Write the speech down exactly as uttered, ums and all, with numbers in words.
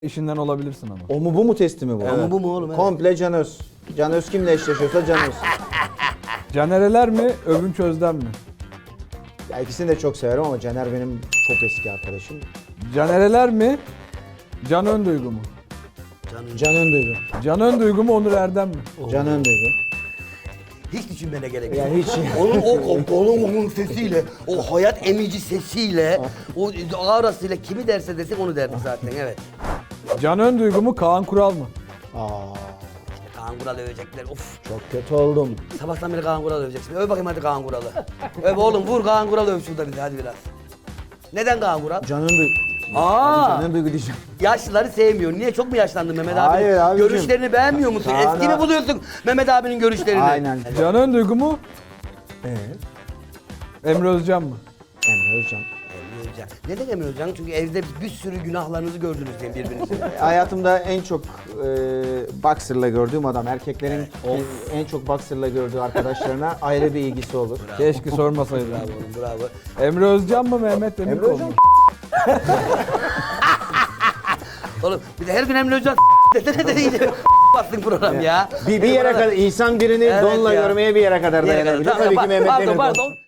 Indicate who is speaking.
Speaker 1: işinden olabilirsin ama.
Speaker 2: O mu bu mu testi mi bu?
Speaker 3: O mu bu mu oğlum? Evet.
Speaker 2: Komple Can Öz. Can Öz kimle eşleşiyorsa Can Öz.
Speaker 1: Canereler mi, Övünç Özden mi?
Speaker 2: Ya ikisini de çok severim ama Caner benim çok eski arkadaşım.
Speaker 1: Canereler mi, Can Önduygu mu?
Speaker 3: Canım.
Speaker 2: Can Önduygu.
Speaker 1: Can Önduygu mu, Onur Erdem mi?
Speaker 2: Can Önduygu.
Speaker 3: Hiç düşünmene gerek yok.
Speaker 2: Ya hiç.
Speaker 3: Onun o onun onun sesiyle, o hayat emici sesiyle, o ağrasıyla kimi derse desin onu derdik zaten, evet.
Speaker 1: Can Önduygu mu, Kaan Kural mı?
Speaker 2: Aa,
Speaker 3: Kaan Kural'ı övecekler, of.
Speaker 2: çok kötü oldum.
Speaker 3: Sabahtan beri Kaan Kural'ı öveceksin. Öv bakayım hadi Kaan Kural'ı. Öv oğlum, vur Kaan Kural'ı öv şurada bir de hadi biraz. Neden Kaan Kural?
Speaker 2: Can Önduygu.
Speaker 3: Aa!
Speaker 2: Can Önduygu diyeceğim.
Speaker 3: Yaşlıları sevmiyor. Niye? Çok mu yaşlandın Mehmet abi?
Speaker 2: Hayır abicim.
Speaker 3: Görüşlerini beğenmiyor musun?
Speaker 2: Kaan'a-
Speaker 3: Eski mi buluyorsun Mehmet abinin görüşlerini?
Speaker 2: Aynen.
Speaker 1: Can Önduygu mu,
Speaker 2: Evet.
Speaker 1: Emre Özcan mı?
Speaker 2: Emre Özcan.
Speaker 3: Emre Özcan. Neden Emre Özcan? Çünkü evde bir sürü günahlarınızı gördünüz diye birbirinizi.
Speaker 2: Hayatımda en çok e, boxer'la gördüğüm adam. Erkeklerin en, en çok boxer'la gördüğü arkadaşlarına ayrı bir ilgisi olur.
Speaker 1: Keşke sormasaydın.
Speaker 3: Bravo oğlum, bravo.
Speaker 1: Emre Özcan mı, Mehmet Demirkol
Speaker 2: Emre Özcan.
Speaker 1: mu?
Speaker 3: Oğlum bir de her gün Emre Özcan desene de iyice bastın program ya.
Speaker 2: Bir, bir yere kadar insan birini
Speaker 3: Evet
Speaker 2: donla
Speaker 3: ya.
Speaker 2: görmeye bir yere kadar
Speaker 3: Bir yere kadar.
Speaker 2: dayanabilir.
Speaker 3: Tamam,
Speaker 2: Tabii ki
Speaker 3: pa-
Speaker 2: Mehmet
Speaker 3: pardon,
Speaker 2: Demirkol.
Speaker 3: pardon.